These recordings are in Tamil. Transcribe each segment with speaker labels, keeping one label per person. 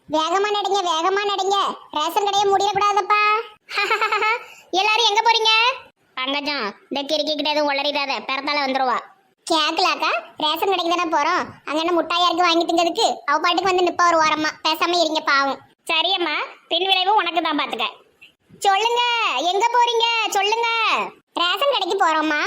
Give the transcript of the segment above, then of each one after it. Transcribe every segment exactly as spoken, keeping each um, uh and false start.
Speaker 1: வேகமா நடிங்க, வேகமா நடிங்க. ரேஷன் கடையை முடியக்கூடாதப்பா. எல்லாரும் எங்க போறீங்க? பங்கஜம், இந்த கிறுக்கி கிட்ட எதுவும் உளறிடாத, பிறந்தால வந்துருவா. கேக்கலாக்கா, ரேஷன் கடைக்கு தானே போறோம். அங்க என்ன முட்டாயா இருக்கு வாங்கி திங்கிறதுக்கு? அவ பாட்டுக்கு வந்து நிப்பா ஒரு ஓரமா. பேசாம இருங்க பாவம். சரியம்மா, பின் விளைவு உனக்கு தான் பாத்துக்க. சொல்லுங்க, எங்க போறீங்க சொல்லுங்க. ரேஷன் கடைக்கு போறோம்மா.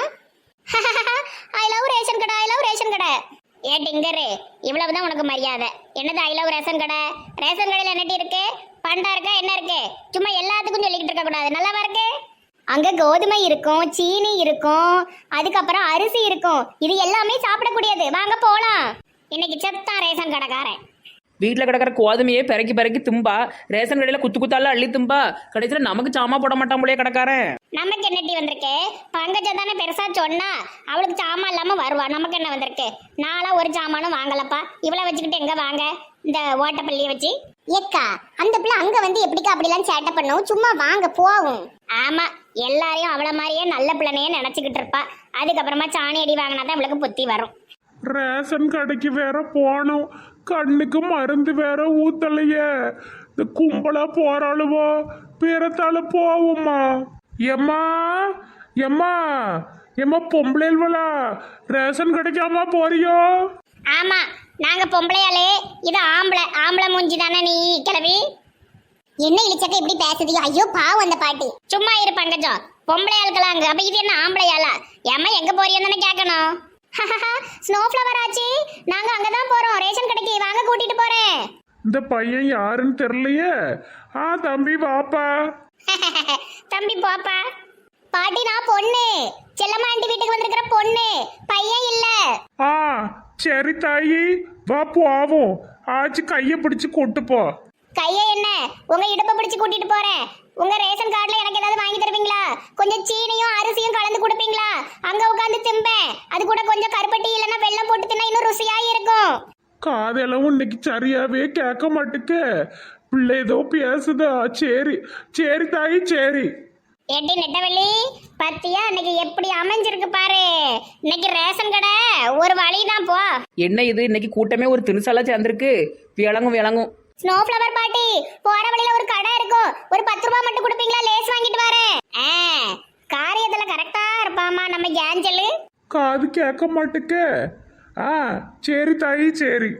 Speaker 1: ஐ லவ் ரேஷன் கடை, ஐ லவ் ரேஷன் கடை. ஏ டிங்கரு, இவ்வளவுதான் உனக்கு மரியாதை. என்னது ஐ லவ் ரேஷன் கடை? ரேஷன் கடையில் என்னட்டி இருக்கு? பண்டா இருக்கா, என்ன இருக்கு? சும்மா எல்லாத்துக்கும் சொல்லிக்கிட்டு இருக்க கூடாது, நல்லாவா இருக்கு? அங்க கோதுமை இருக்கும், சீனி இருக்கும், அதுக்கப்புறம் அரிசி இருக்கும். இது எல்லாமே சாப்பிடக்கூடியது. வாங்க போலாம். இன்னைக்கு செத்தான் ரேஷன் கடைக்காரன்.
Speaker 2: வீட்டில் கிடக்கிற கோதுமையே பிறக்கி பிறக்கி தும்பா, ரேஷன் கடையில் குத்து குத்தால அள்ளி தும்பா, கடைசியில் நமக்கு சாமா போட மாட்டான் போலயே கடைக்காரன்.
Speaker 1: நமக்கு என்னட்டி வந்திருக்கு? பங்கஜம் தானே பெருசா சொன்னா, அவளுக்கு சாமான் இல்லாம வருவா. நமக்கு என்ன வந்திருக்கு? நாளா ஒரு சாமானும் வாங்கலப்பா. இவ்வளவு வச்சுக்கிட்டு எங்க வாங்க இந்த ஓட்டப்பள்ளியை வச்சு? ஏக்கா, அந்த பிள்ளை அங்க வந்து எப்படிக்கா அப்படிலாம் சேட்டை பண்ணும்? சும்மா வாங்க போவும். ஆமா, எல்லாரையும் அவள மாதிரியே நல்ல பிள்ளைனையே நினைச்சுக்கிட்டு இருப்பா. அதுக்கப்புறமா சாணி அடி வாங்கினாதான் இவளுக்கு புத்தி வரும்.
Speaker 3: ரேஷன் கடைக்கு வேற போனோம், கண்ணுக்கு மருந்து வேற ஊத்தலையே. இந்த கும்பலா போறாளுவோ, பிறத்தால போவோம்மா. எம்மா எம்மா எம்மா பொம்பளைவளா, ரேஷன் கடைக்காமா போறியோ?
Speaker 1: ஆமா, நாங்க பொம்பளையாளே, இது ஆம்பளை. ஆம்பளை மூஞ்சி தானே நீ கிளவி. என்ன இழிச்சக்க இப்படி பேசுதியோ? ஐயோ பாவம் அந்த பாட்டி. சும்மா இரு பங்கஜம், பொம்பளை ஆளுக்கலாம் அங்க. அப்ப இது என்ன ஆம்பளையாளா? ஏம்மா எங்க போறியோன்னு தானே கேட்கணும். ஸ்னோ ஃப்ளவர் ஆச்சு, நாங்க அங்கதான் போறோம் ரேஷன் கடைக்கு. வாங்க கூட்டிட்டு போறேன்.
Speaker 3: இந்த பையன் யாருன்னு தெரியலையே. ஆ தம்பி வாப்பா.
Speaker 1: தம்பி போப்பா. பாட்டி நான் பொண்ணு, செல்லம்மா ஆண்டி வீட்டுக்கு வந்திருக்கிற பொண்ணு, பையன் இல்ல.
Speaker 3: ஆ சரி தாயி, வா போவோம். ஆச்சு கைய பிடிச்சு கூட்டு போ.
Speaker 1: கைய என்ன, உங்க இடுப்பை பிடிச்சு கூட்டிட்டு போறேன். உங்க ரேஷன் கார்டுல எனக்கு ஏதாவது வாங்கி தருவீங்களா? கொஞ்சம் சீனியும் அரிசியும் கலந்து கொடுப்பீங்களா? அங்க உட்காந்து திம்பேன். அது கூட கொஞ்சம் கருப்பட்டி இல்லைன்னா வெள்ளம் போட்டு தின்னா இன்னும் ருசியா இருக்கும்.
Speaker 3: காதெல்லாம் இன்னைக்கு சரியாவே கேட்க மாட்டுக்க. பிள்ளை ஏதோ பேசுதா. சரி சரி தாயி சரி.
Speaker 1: எட்டி நெட்டவெளி, பத்தியா இன்னைக்கு எப்படி அமைஞ்சிருக்கு பாரு. இன்னைக்கு ரேஷன் கடை ஒரு வழிதான் போ.
Speaker 2: என்ன இது, இன்னைக்கு கூட்டமே ஒரு திணுசாலா சேர்ந்துருக்கு. விளங்கும் விளங்கும்.
Speaker 1: ஸ்னோ ஃப்ளவர் பாட்டி, போற வழியில ஒரு கடை இருக்கும். ஒரு பத்து ரூபாய் மட்டும் கொடுப்பீங்களா? லேஸ் வாங்கிட்டு வரேன். ஆ, காரியத்துல கரெக்டா இருப்பாமா நம்ம ஏஞ்சலு.
Speaker 3: காது கேட்க மாட்டுக்க. ஆ சரி தாயி சரி.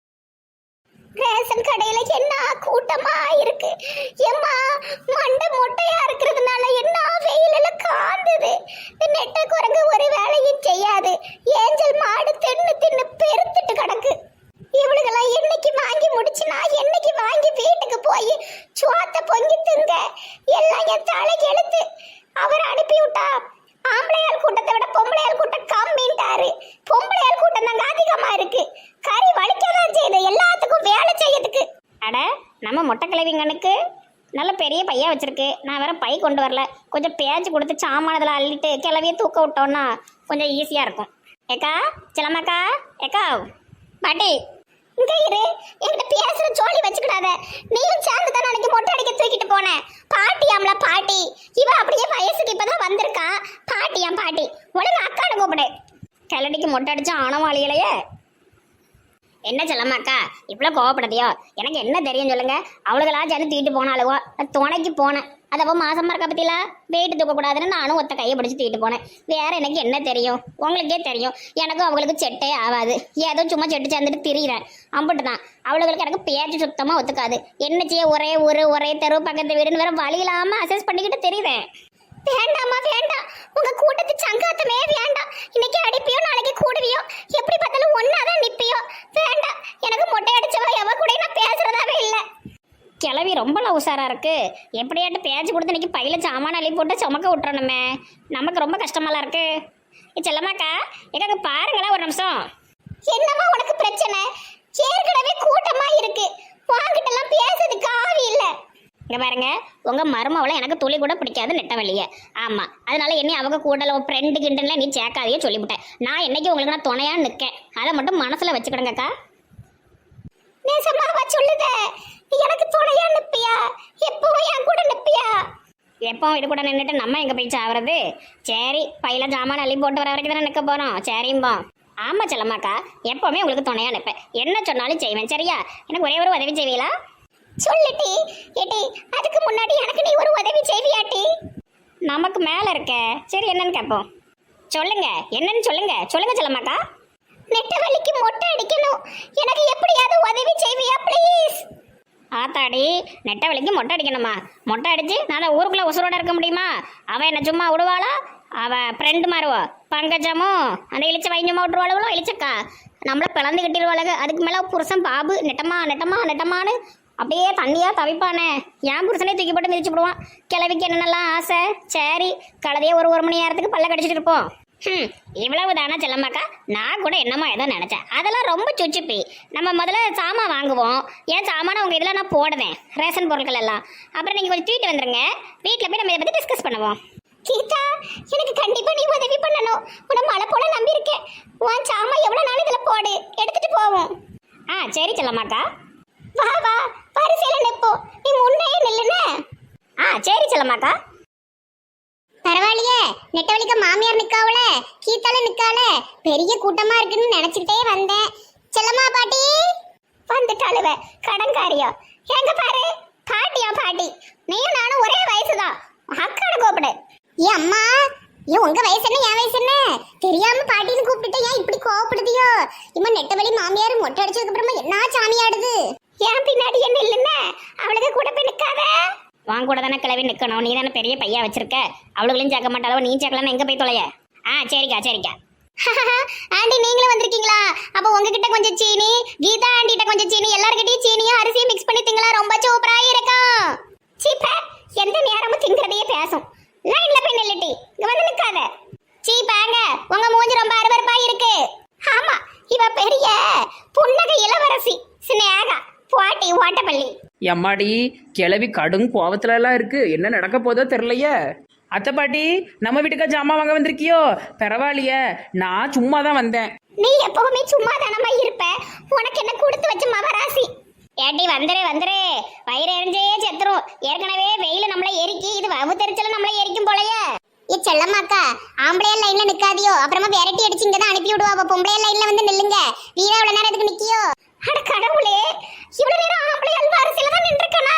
Speaker 1: ரேஷன் கடையில என்ன கூட்டமா இருக்கு. எம்மா, மண்டை மொட்டையா இருக்கிறதுனால என்ன வெயில காந்துது. நெட்ட குரங்கு ஒரு வேலையும் செய்யாது. ஏஞ்சல் மாடு தின்னு தின்னு பெருத்துட்டு கிடக்கு. இவளுகெல்லாம் என்னைக்கு வாங்கி முடிச்சுனா என்னைக்கு வாங்கி வீட்டுக்கு போய் சுவாத்த பொங்கி திங்க. எல்லாம் என் தலைக்கு எழுத்து. அவர் அனுப்பி விட்டா. ஆம்பளையால் கூட்டத்தை விட பொம்பளையால் கூட்டம் கம்மின்ட்டாரு. பொம்பளையால் கூட்டம் தாங்க அதிகமா இருக்கு. கறி வலிக்கதான் செய்யுது எல்லாத்துக்கும் வேலை செய்யறதுக்கு. அட, நம்ம மொட்டை கிழவிங்கனுக்கு நல்ல பெரிய பையா வச்சிருக்கு. நான் வேற பை கொண்டு வரல. கொஞ்சம் பேச்சு கொடுத்து சாமானதில் அள்ளிட்டு கிளவியை தூக்க விட்டோன்னா கொஞ்சம் ஈஸியா இருக்கும். ஏக்கா, சிலமாக்கா, ஏக்கா பாட்டி இங்க இரு. என்கிட்ட பேசுற ஜோலி வச்சுக்கிடாத. நீயும் சேர்ந்து தான் அன்னைக்கு மொட்டை அடிக்க தூக்கிட்டு போனேன். பாட்டியாம்ல பாட்டி. இவ அப்படியே வயசுக்கு இப்பதான் வந்திருக்கா. பாட்டியாம் பாட்டி. ஒழுங்கு அக்கானு கூப்பிடு. கிளடிக்கு மொட்டை அடிச்சா ஆனவாளிகளையே. என்ன சொல்லமாக்கா இவ்வளோ கோவப்படுதியோ? எனக்கு என்ன தெரியும் சொல்லுங்க. அவளுகளா சேர்ந்து தூக்கிட்டு போனாலுவோ, துணைக்கு போனேன். அதப்போ மாசமா இருக்க பத்திலா வெயிட்டு தூக்கக்கூடாதுன்னு நானும் ஒத்த கையை பிடிச்சி தூக்கிட்டு போனேன். வேற எனக்கு என்ன தெரியும்? உங்களுக்கே தெரியும். எனக்கும் அவங்களுக்கு செட்டே ஆகாது. ஏதோ சும்மா செட்டு சேர்ந்துட்டு திரியிறேன். அம்பிட்டு தான். அவளுகளுக்கு எனக்கு பேச்சு சுத்தமா ஒத்துக்காது. என்ன செய்ய, ஒரே ஊரு ஒரே தெரு பக்கத்து வீடுன்னு வேற வழி இல்லாம அசஸ் பண்ணிக்கிட்டு தெரியுறேன். வேண்டாமா வேண்டாம், உங்க கூட்டத்து சங்காத்தமே வேண்டாம். இன்னைக்கு அடிப்பியோ நாளைக்கு கூடுவியோ, எப்படி பார்த்தாலும் ஒன்னாதான் நிப்பியோ. வேண்டாம், எனக்கு மொட்டை அடிச்சவா எவ கூட நான் பேசுறதாவே இல்லை. கிளவி ரொம்ப உஷாரா இருக்கு. எப்படியாட்டு பேச்சு கொடுத்து இன்னைக்கு பையில சாமான அள்ளி போட்டு சுமக்க விட்டுறணுமே. நமக்கு ரொம்ப கஷ்டமாலாம் இருக்கு. செல்லமாக்கா, எங்க பாருங்களேன் ஒரு நிமிஷம். என்னமா உனக்கு பிரச்சனை? ஏற்கனவே கூட்டமா இருக்கு. வாங்கிட்ட எல்லாம் பேசுறதுக்கு ஆவி இல்லை. இங்க பாருங்க, உங்க மருமவளை எனக்கு துளி கூட பிடிக்காது நெட்டவெளிய. ஆமா, அதனால என்ன அவங்க கூடல ஃப்ரெண்டு கிண்டன்ல நீ சேர்க்காதையே சொல்லிவிட்டேன். நான் என்னைக்கு உங்களுக்கு நான் துணையா நிற்கேன். அதை மட்டும் மனசுல வச்சுக்கிடுங்கக்கா. நேசமாவா சொல்லுத? எனக்கு துணையா நிப்பியா? எப்பவும் என் கூட நிப்பியா? எப்பவும் இது கூட நின்றுட்டு நம்ம எங்க போய் சாவறது? சரி, பையில ஜாமான் அள்ளி போட்டு வர வரைக்கும் தானே நிற்க போறோம். சரிம்பா. ஆமா செல்லம்மாக்கா, எப்பவுமே உங்களுக்கு துணையா நிற்பேன். என்ன சொன்னாலும் செய்வேன். சரியா? எனக்கு ஒரே ஒரு உதவி செய்வீங்களா? சொல்லுட்டி. ஏட்டி அதுக்கு முன்னாடி எனக்கு நீ ஒரு உதவி செய்வியாட்டி?
Speaker 4: நமக்கு மேல இருக்க. சரி என்னன்னு கேட்போம். சொல்லுங்க என்னன்னு சொல்லுங்க சொல்லுங்க செல்லம்மாக்கா.
Speaker 1: நெட்டவலிக்கு மொட்டை அடிக்கணும், எனக்கு எப்படியாவது உதவி செய்வியா ப்ளீஸ்?
Speaker 4: ஆத்தாடி நெட்டவழிக்கு மொட்டை அடிக்கணுமா? மொட்டை அடிச்சு நான் தான் ஊருக்குள்ள உசுரோட இருக்க முடியுமா? அவ என்ன சும்மா விடுவாளா? அவ ஃப்ரெண்டு மாறுவா பங்கஜமும் அந்த இழிச்ச வைஞ்சமா விட்டுருவாளுவளோ இழிச்சக்கா நம்மள பிளந்து கட்டிடுவாளுங்க. அதுக்கு மேல புருஷன் பாபு நெட்டமா நெட்டமா நெட்டமானு அப்படியே தண்ணியா தவிப்பானே. என் புருஷனே தூக்கி போட்டு மிதிச்சு விடுவான். கிழவிக்கு என்னென்னலாம் ஆசை. சரி கலதையே ஒரு ஒரு மணி நேரத்துக்கு பல்ல கடிச்சிட்டு இருப்போம். ம் இவ்வளவு தானே செல்லம்மாக்கா? நான் கூட என்னமோ ஏதோ நினச்சேன். அதெல்லாம் ரொம்ப சுச்சுப்பி. நம்ம முதல்ல சாமான் வாங்குவோம். ஏன் சாமான உங்கள் இதில் நான் போடுவேன் ரேஷன் பொருட்கள் எல்லாம். அப்புறம் நீங்கள் கொஞ்சம் தூக்கிட்டு வந்துருங்க. வீட்டில் போய் நம்ம இதை பற்றி டிஸ்கஸ் பண்ணுவோம்.
Speaker 1: கீதா எனக்கு கண்டிப்பா நீ உதவி பண்ணணும். உன்னை மழை போல நம்பி இருக்கேன். உன் சாமா எவ்வளவு நாள் இதுல போடு, எடுத்துட்டு போவோம்.
Speaker 4: ஆ சரி செல்லம்மாக்கா.
Speaker 1: வா வா வரிசையில நிப்போம். நீ முன்னே நில்லுனே.
Speaker 4: ஆ சரி செல்லம்மாக்கா.
Speaker 1: பரவாயில்லையே, நெட்டவழிக்க மாமியார் நிக்காவல, கீதால நிக்கால, பெரிய கூட்டமா இருக்குன்னு நினைச்சுக்கிட்டே வந்தேன். செல்லம்மா பாட்டி வந்துட்டாளுவ கடன்காரியா. எங்க பாரு பாட்டியா பாட்டி, நீயும் நானும் ஒரே வயசுதான். அக்காட கூப்பிடு. ஏ அம்மா, ஏ உங்க வயசு என்ன என் வயசு என்ன தெரியாம பாட்டின்னு கூப்பிட்டு ஏன் இப்படி கோவப்படுதியோ? இம்மா நெட்டவழி மாமியார் மொட்டை அடிச்சதுக்கு அப்புறமா என்ன சாமியாடுது? ஏன் பின்னாடி என்ன இல்லைன்னு அவளுக்கு கூட போய் நிக்காத.
Speaker 4: வாங்க கூட தானே கிளவி நிற்கணும். நீ தானே பெரிய பையா வச்சிருக்க. அவளுகளையும் சேர்க்க மாட்டாளோ, நீ சேர்க்கலான்னு எங்கே போய் தொலைய? ஆ சரிக்கா சரிக்கா.
Speaker 1: ஆண்டி நீங்களும் வந்திருக்கீங்களா? அப்ப உங்ககிட்ட கொஞ்சம் சீனி, கீதா ஆண்டிட்ட கொஞ்சம் சீனி, எல்லார்கிட்டயும் சீனியும் அரிசியும் மிக்ஸ் பண்ணி திங்களா, ரொம்ப சூப்பரா இருக்கும். சீப்ப எந்த நேரமும் திங்கிறதையே பேசும். லைன்ல போய் நில்லுட்டி, இங்க வந்து நிக்காத. சீப்பாங்க உங்க மூஞ்சி ரொம்ப அருவருப்பா இருக்கு. ஆமா இவ பெரிய புன்னகை இளவரசி சினேகா பாட்டி ஓட்டப்பள்ளி.
Speaker 2: எம்மாடி கிளவி கடும் கோவத்துல எல்லாம் இருக்கு. என்ன நடக்க போதோ தெரியலையே. அத்தை பாட்டி நம்ம வீட்டுக்கா ஜாமான் வாங்க வந்திருக்கியோ? பரவாயில்லையே, நான் சும்மா தான் வந்தேன்.
Speaker 1: நீ எப்பவுமே சும்மா தானமா இருப்ப. உனக்கு என்ன கொடுத்து வச்ச மவராசி.
Speaker 4: ஏட்டி வந்துரு வந்துரு. வயிறு எரிஞ்சே செத்துரும். ஏற்கனவே வெயில நம்மள எரிக்கி, இது வவு தெரிச்சல நம்மள எரிக்கும் போலயே.
Speaker 1: ஏ செல்லம்மாக்கா, ஆம்பளையா லைன்ல நிக்காதியோ, அப்புறமா விரட்டி அடிச்சு இங்க தான் அனுப்பி விடுவா. பொம்பளையா லைன்ல வந்து நில்லுங்க. வீரா இவ்வளவு நேரம் எதுக்கு நிக்கியோ? அட கடவுளே, இவ்வளவு நேரம் ஆம்பளை அல்வாரிசில தான் நின்றுக்கனா?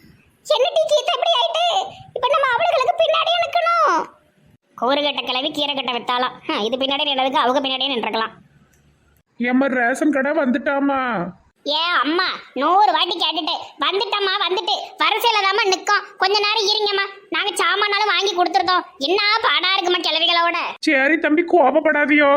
Speaker 1: என்ன டீ கீதா இப்படி ஆயிட்டு? இப்ப நம்ம அவளுகளுக்கு பின்னாடியே நிக்கணும்.
Speaker 4: கூறுகட்ட கிளவி கீரை கட்ட வித்தாலாம். இது பின்னாடியே நின்றதுக்கு அவங்க பின்னாடியே நின்றுக்கலாம்.
Speaker 3: ஏம்மா ரேஷன் கடை வந்துட்டாமா?
Speaker 4: ஏ அம்மா நூறு வாட்டி கேட்டுட்டு வந்துட்டம்மா வந்துட்டு வரிசையில தாம்மா நிற்கும். கொஞ்ச நேரம் இருங்கம்மா, நாங்க சாமானாலும் வாங்கி கொடுத்துருந்தோம். என்ன பாடா இருக்குமா கிளவிகளோட.
Speaker 3: சரி தம்பி கோபப்படாதியோ.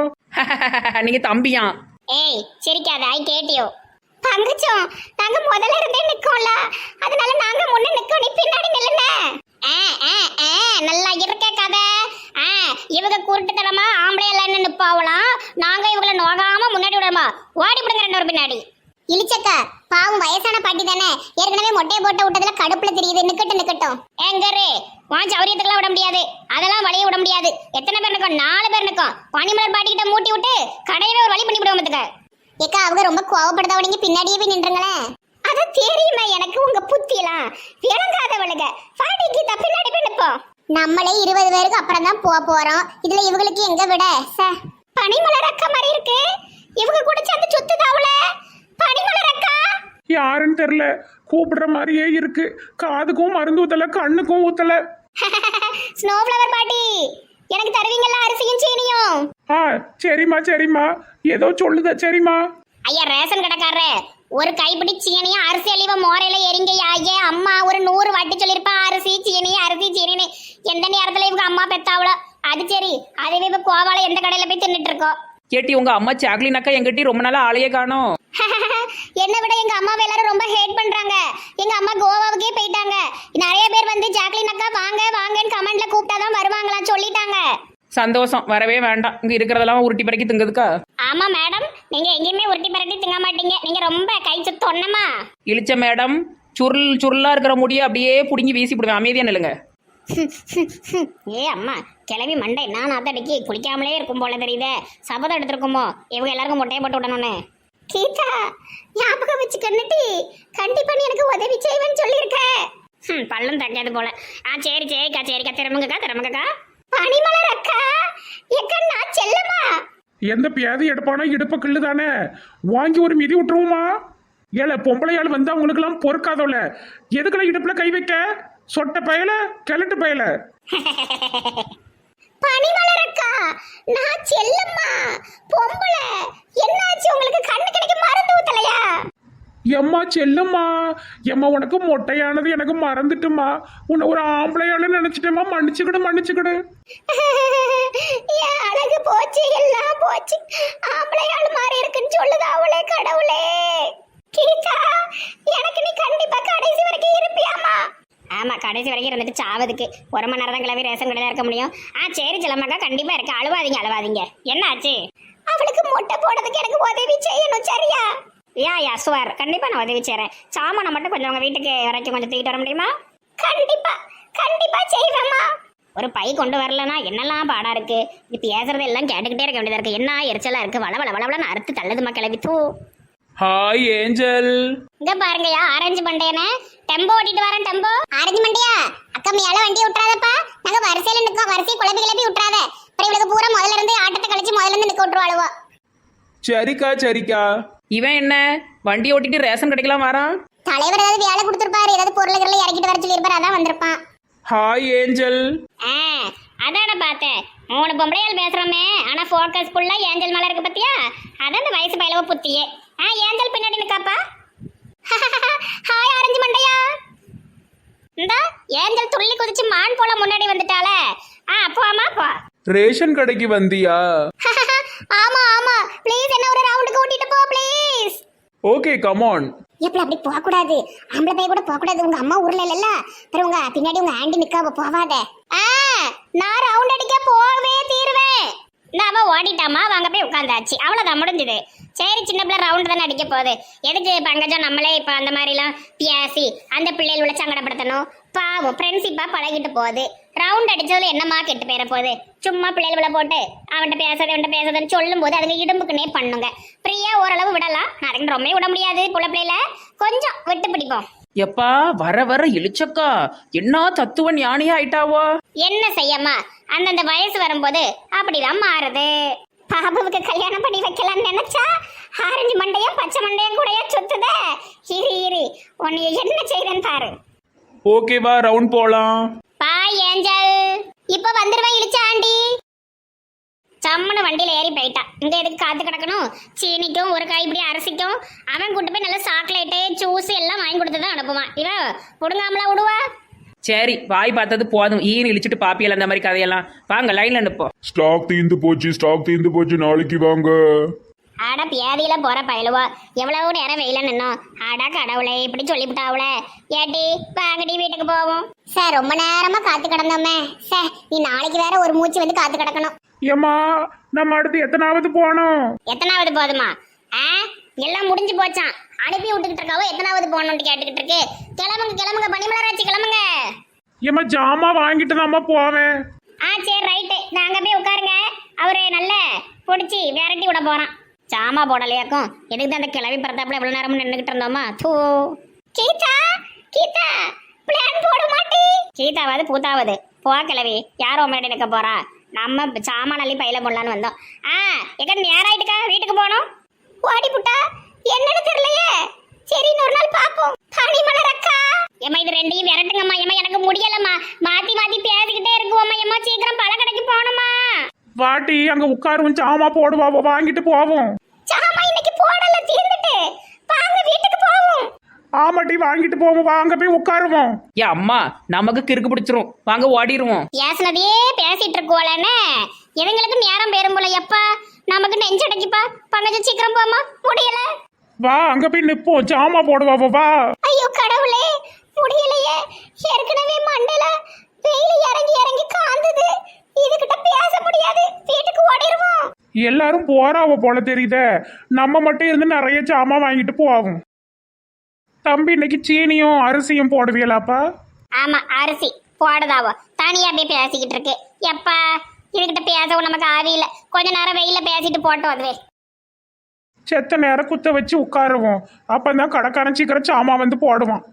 Speaker 2: நீங்க தம்பியா?
Speaker 4: ஏய் சிரிக்காத, ஐ கேட்டியோ.
Speaker 1: பங்குச்சோம் நாங்க முதல்ல இருந்தே நிக்கோம்ல, அதனால நாங்க முன்ன நிக்கோம், நீ பின்னாடி நில்லுங்க.
Speaker 4: ஆ ஆ ஆ நல்லா இருக்க கதை. ஆ இவங்க குருட்டுத்தனமா ஆம்பளை எல்லாம் நிப்பாவலாம். நாங்க இவங்களை நோகாம முன்னாடி விடணுமா? ஓடி விடுங்க ரெண்டு ஒரு பின்னாடி.
Speaker 1: இழிச்சக்கா பாவம் வயசான பாட்டி தானே, ஏற்கனவே மொட்டையை போட்டு விட்டதுல கடுப்புல தெரியுது. நிக்கட்டும் நிக்கட்டும்.
Speaker 4: எங்கரு வான் சௌரியத்துக்குலாம் விட முடியாது. அதெல்லாம் வழிய விட முடியாது. எத்தனை பேர் நிற்கும்? நாலு பேர் நிற்கும். பனிமலர் பாட்டிக்கிட்ட மூட்டி விட்டு கடையவே ஒரு வழி பண்ணி விடுவோம்.
Speaker 1: ஏக்கா அவங்க ரொம்ப கோவப்படுதா, நீங்க பின்னாடியே போய் நின்றுங்களேன். அது தெரியுமா எனக்கு உங்க புத்தியெல்லாம் விளங்காதவளுங்க. பாட்டிக்கு த பின்னாடி போய் நிப்போம். நம்மளே இருபது பேருக்கு அப்புறம் தான் போக போறோம். இதுல இவங்களுக்கு எங்க விட? பனிமலர் அக்கா மாதிரி இருக்கு. இவங்க கூட சேர்ந்து சுத்துதாவுல. பனிமலர் அக்கா
Speaker 3: யாருன்னு தெரியல, கூப்பிடுற மாதிரியே இருக்கு. காதுக்கும் மருந்து ஊத்தல, கண்ணுக்கும் ஊத்தல.
Speaker 1: ஸ்னோ ஃப்ளவர் பாட்டி எனக்கு தருவீங்களா அரிசியும் சீனியும்?
Speaker 3: ஆ சரிம்மா சரிம்மா, ஏதோ சொல்லுத. சரிம்மா.
Speaker 4: ஐயா ரேஷன் கடைக்காரரே, ஒரு கைப்பிடி சீனியும் அரிசி அழிவ மோரையில எரிங்க. ஐயா அம்மா ஒரு நூறு வாட்டி சொல்லிருப்பா அரிசி சீனி அரிசி சீனின்னு. எந்த நேரத்துல இவங்க அம்மா பெத்தாவளோ அது சரி. அதுவே இப்ப கோவால எந்த கடையில போய் தின்னுட்டு இருக்கோம்.
Speaker 2: கேட்டி உங்க அம்மா சாக்லின் அக்கா எங்கிட்ட ரொம்ப நாளா ஆளையே காணோம்.
Speaker 1: என்னை விட எங்க அம்மாவை எல்லாரும் ரொம்ப ஹேட் பண்றாங்க. எங்க அம்மா கோவாவுக்கே போயிட்டாங்க. நிறைய பேர் வந்து ஜாக்லின் அக்கா வாங்க வாங்கன்னு கமெண்ட்ல கூப்பிட்டாதான் வருவாங்களா சொல்லிட்டாங்க.
Speaker 2: சந்தோஷம், வரவே வேண்டாம். இங்க இருக்கிறதெல்லாம் உருட்டி பறக்கி திங்குதுக்கா.
Speaker 4: ஆமா மேடம், நீங்க எங்கேயுமே உருட்டி பரட்டி திங்க மாட்டீங்க. நீங்க ரொம்ப கை சுத்தொன்னமா.
Speaker 2: இழிச்ச மேடம், சுருள் சுருளா இருக்கிற முடிய அப்படியே புடுங்கி வீசி போடுவேன். அமைதியா நில்லுங்க.
Speaker 4: ஏ அம்மா கிளவி மண்டை நான் அத்தடிக்கு குளிக்காமலே இருக்கும் போல தெரியுதே. சபதம் எடுத்திருக்குமோ இவங்க எல்லாருக்கும் மொட்டையை போட்டு விடணும்னு.
Speaker 1: கீதா ஞாபகம் வச்சுக்கன்னுட்டி, கண்டிப்பா நீ எனக்கு உதவி செய்வேன்னு சொல்லியிருக்கேன்.
Speaker 4: ம் பள்ளம் தக்காது போல. ஆ சரி சரிக்கா சரிக்கா. திறமுங்கக்கா திறமுங்கக்கா.
Speaker 1: பனிமலர் அக்கா எக்கா நான் செல்லமா.
Speaker 3: எந்த பியாதி எடுப்பானோ இடுப்ப கிள்ளு தானே, வாங்கி ஒரு மிதி விட்டுருவோமா? ஏல பொம்பளையாள் வந்து அவங்களுக்கெல்லாம் பொறுக்காதோல எதுக்கெல்லாம் இடுப்புல கை வைக்க சொட்ட பயல கிழட்டு பயல
Speaker 1: பனிமலரக்கா, நான் செல்லம்மா பொம்பளை. என்னாச்சு உங்களுக்கு? கண்ணு கிடைக்க மருந்து ஊத்தலையா?
Speaker 3: எம்மா செல்லும்மா, எம்மா உனக்கு மொட்டையானது எனக்கு மறந்துட்டுமா. உன்னை ஒரு ஆம்பளையாளு நினைச்சிட்டேம்மா, மன்னிச்சுக்கிடு மன்னிச்சுக்கிடு.
Speaker 1: என் அழகு போச்சு, எல்லாம் போச்சு. ஆம்பளையாள் மாதிரி இருக்குன்னு சொல்லுது அவளே. கடவுளே, கீதா, எனக்கு நீ கண்டிப்பா கடைசி வரைக்கும் இருப்பியாமா?
Speaker 4: ஆமா, கடைசி வரைக்கும் இருந்துட்டு சாவதுக்கு ஒரு மணி நேரம் தான் கிளம்பி ரேஷன் கடையில் இருக்க முடியும். ஆ சரி செல்லம்மாக்கா, கண்டிப்பா இருக்கு. அழுவாதீங்க அழுவாதீங்க. என்ன ஆச்சு?
Speaker 1: அவளுக்கு மொட்டை போடுறதுக்கு எனக்கு உதவி செய்யணும், சரியா?
Speaker 4: யா யா சுவர், கண்டிப்பா நான் உதவி செய்றேன். சாமானை மட்டும் கொஞ்சம் உங்க வீட்டுக்கு வரைக்கும் கொஞ்சம் தூக்கிட்டு வர முடியுமா?
Speaker 1: கண்டிப்பா கண்டிப்பா செய்வேம்மா.
Speaker 4: ஒரு பை கொண்டு வரலன்னா என்னெல்லாம் பாடா இருக்கு. இது பேசுறது எல்லாம் கேட்டுக்கிட்டே இருக்க வேண்டியதா இருக்கு. என்ன எரிச்சலா இருக்கு. வள வள வளவளன்னு அறுத்து தள்ளுதுமா கிளவி. தூ
Speaker 3: ஹாய் ஏஞ்சல்.
Speaker 4: இங்க பாருங்கயா, ஆரஞ்சு மண்டையனே, டெம்போ ஓட்டிட்டு வரேன். டெம்போ
Speaker 1: ஆரஞ்சு மண்டியா, அக்கா மேல வண்டி விட்டுறாதப்பா. நாங்க வரிசையில நிக்கோம். வரிசை குழம்பு கிளப்பி விட்டுறாத. அப்புறம் இவளுக்கு பூரா முதல்ல இருந்து ஆட்டத்தை கழிச்சு முதல்ல இருந்து நிக்க விட்டுருவாளுவோ.
Speaker 3: சரிக்கா சரிக்கா.
Speaker 2: இவன் என்ன வண்டி ஓட்டிட்டு ரேஷன் கடைக்கெல்லாம் வரான்?
Speaker 1: தலைவர் ஏதாவது வேலை கொடுத்துருப்பாரு, ஏதாவது பொருள்களை இறக்கிட்டு வர சொல்லியிருப்பாரு, அதான் வந்திருப்பான்.
Speaker 3: Hi angel.
Speaker 4: ஆ அதான பார்த்தேன். மூணு பொம்பளையால் பேசுறோமே, ஆனா ஃபோக்கஸ் ஃபுல்லா ஏஞ்சல் மேல இருக்கு பத்தியா? அதான் இந்த வயசு பயிலவ புத்தியே. ஆ ஏஞ்சல் பின்னாடி நிக்காப்பா.
Speaker 1: ஹாய் ஆரஞ்சு மண்டையா.
Speaker 4: இந்த ஏஞ்சல் துள்ளி குதிச்சு மான் போல முன்னாடி வந்துட்டாளே. ஆ போமா போ.
Speaker 3: ரேஷன் கடைக்கு வந்தியா?
Speaker 1: ஆமா ஆமா, ப்ளீஸ் என்ன ஒரு ரவுண்டுக்கு கூட்டிட்டு போ ப்ளீஸ்.
Speaker 3: Okay come on.
Speaker 1: எப்பல அப்படி போக கூடாது. ஆம்பளை பைய கூட போக கூடாது. உங்க அம்மா ஊர்ல இல்லல்ல, அப்புறம் உங்க பின்னாடி உங்க ஆண்டி நிக்காவ, போவாத.
Speaker 4: ஆ நான் ரவுண்ட் அடிக்க போவே தீருவேன். நாம ஓடிட்டாமா, வாங்க போய் உட்காந்தாச்சு. அவ்வளவுதான், முடிஞ்சது. சரி, சின்ன பிள்ளை ரவுண்ட் தானே அடிக்க போகுது. எதுக்கு பங்கஜம் நம்மளே இப்போ அந்த மாதிரிலாம் பேசி அந்த பிள்ளைகள் உள்ள சங்கடப்படுத்தணும்? பாவம் ஃப்ரெண்ட்ஷிப்பா பழகிட்டு போகுது. ரவுண்ட் அடிச்சதுல என்னமா கெட்டு போயிட போகுது? சும்மா பிள்ளைகளை போட்டு அவன்கிட்ட பேசாத அவன்கிட்ட பேசாதன்னு சொல்லும் போது அதுங்க இடும்புக்குன்னே பண்ணுங்க. ஃப்ரீயா ஓரளவு விடலாம். அதுக்கு ரொம்ப விட முடியாது. புள்ள பிள்ளைல கொஞ்சம் விட்டு பிடிப்போம்.
Speaker 2: எப்பா வர வர இழிச்சக்கா என்ன தத்துவ ஞானியா ஆயிட்டாவோ.
Speaker 4: என்ன செய்யம்மா, அந்தந்த வயசு வரும்போது அப்படிதான் மாறுது.
Speaker 1: பாபுவுக்கு கல்யாணம் பண்ணி வைக்கலாம்னு நினைச்சா ஆரஞ்சு மண்டையும் பச்சை மண்டையும் கூடயே சுத்துதே. இரு இரு, உன்னை என்ன செய்றேன்னு பாரு.
Speaker 3: ஓகேவா, ரவுண்ட் போலாம்.
Speaker 4: Bye angel.
Speaker 1: இப்ப வந்துருவா இழுச்சா ஆண்டி.
Speaker 4: சம்மனு வண்டியில ஏறி போயிட்டான். இங்க எதுக்கு காத்து கிடக்கணும்? சீனிக்கும் ஒரு கைப்பிடி அரிசிக்கும் அவன் கூட்டு போய் நல்லா சாக்லேட்டு ஜூஸ் எல்லாம் வாங்கி கொடுத்து தான் அனுப்புவான். இவன் புடுங்காமலா விடுவா?
Speaker 2: சரி வாய் பார்த்தது போதும். ஈன்னு இழிச்சிட்டு பாப்பியல் அந்த மாதிரி கதையெல்லாம். வாங்க லைன்ல நிப்போம்.
Speaker 3: ஸ்டாக் தீந்து போச்சு, ஸ்டாக் தீந்து போச்சு, நாளைக்கு வாங்க.
Speaker 4: ஆடா பியாதியில போற பயலுவா, எவ்வளவு நேரம் வெயில நின்னோம். ஆடா கடவுளே, இப்படி சொல்லிவிட்டாவுல. ஏட்டி வாங்கடி வீட்டுக்கு போவோம்.
Speaker 1: சார் ரொம்ப நேரமா காத்து கிடந்தோமே சார். நீ நாளைக்கு வேற ஒரு மூச்சு வந்து காத்து கிடக்கணும்.
Speaker 3: ஏம்மா நம்ம அடுத்து எத்தனாவது போனோம்?
Speaker 4: எத்தனாவது போதுமா? ஆ எல்லாம் முடிஞ்சு போச்சான். அனுப்பி விட்டுக்கிட்டு இருக்காவோ எத்தனாவது போகணும்னு கேட்டுக்கிட்டு இருக்கு. கிளம்புங்க கிளம்புங்க, பனிமலராட்சி கிளம்புங்க.
Speaker 3: ஏம்மா ஜாமா வாங்கிட்டு தாம்மா போவேன்.
Speaker 4: ஆ சரி ரைட்டு, நாங்க போய் உட்காருங்க. அவரு நல்ல பிடிச்சி விரட்டி விட போறான். சாமா போடலையாக்கும். எதுக்கு தான் அந்த கிளவி பரத்தாப்புல எவ்வளவு நேரமும் நின்றுகிட்டு இருந்தோமா? தூ
Speaker 1: கீதா கீதா, பிளான் போட மாட்டே.
Speaker 4: கீதாவது பூத்தாவது போ கிளவி. யாரோ முன்னாடி நிற்க போறா? நம்ம சாமான் அள்ளி பையில போடலான்னு வந்தோம். ஆ எங்க நேராயிட்டுக்கா, வீட்டுக்கு போனோம்.
Speaker 1: ஓடி புட்டா, என்னன்னு தெரியலையே. சரி இன்னொரு நாள் பாப்போம். பனிமலர் அக்கா,
Speaker 4: ஏமா இது ரெண்டையும் விரட்டுங்கம்மா. ஏமா எனக்கு முடியலம்மா, மாத்தி மாத்தி பேசிக்கிட்டே இருக்குவோம்மா. ஏமா சீக்கிரம் பழ கடைக்கு போகணுமா?
Speaker 3: வாட்டி அங்க உட்காருவோம், ஜாமா போடுவா, வாங்கிட்டு போவோம்.
Speaker 1: சாமா இன்னைக்கு போடல, தீர்ந்துட்டு. வாங்க வீட்டுக்கு போவோம்.
Speaker 3: ஆமாட்டி வாங்கிட்டு போவோம், வாங்க போய் உட்காருவோம்.
Speaker 2: ஏ அம்மா நமக்கு கிறுக்கு பிடிச்சிரும். வாங்க ஓடிடுவோம்.
Speaker 4: பேசினதையே பேசிட்டு இருக்கோலன்னு எதுங்களுக்கு நேரம் பேரும் போல. எப்பா நமக்கு நெஞ்சடைக்குப்பா. பங்கஜம் சீக்கிரம் போமா, முடியல.
Speaker 3: வா அங்க போய் நிப்போம், ஜாமா போடுவா, வா.
Speaker 1: ஐயோ கடவுளே, முடியலையே. ஏற்கனவே மண்டல வெயில் இறங்கி இறங்கி காந்துது. இதுகிட்ட பேச முடியாது. வீட்டுக்கு ஓடிடுவோம்.
Speaker 3: எல்லாரும் போறாவ போல தெரியுதே. நம்ம மட்டும் இருந்து நிறைய ஜாமா வாங்கிட்டு போவோம். தம்பி இன்னைக்கு சீனியும் அரிசியும் போடுவீங்களாப்பா?
Speaker 4: ஆமா, அரிசி போடுதாவோ. தனியா போய் பேசிக்கிட்டு இருக்கு. எப்பா இதுகிட்ட பேசவும் நமக்கு ஆவி இல்ல. கொஞ்ச நேரம் வெயில பேசிட்டு போட்டோம். அதுவே
Speaker 3: செத்த நேரம் குத்த வச்சு உட்காருவோம். அப்பதான் கடைக்காரன் சீக்கிரம் சாமா வந்து போடுவான்.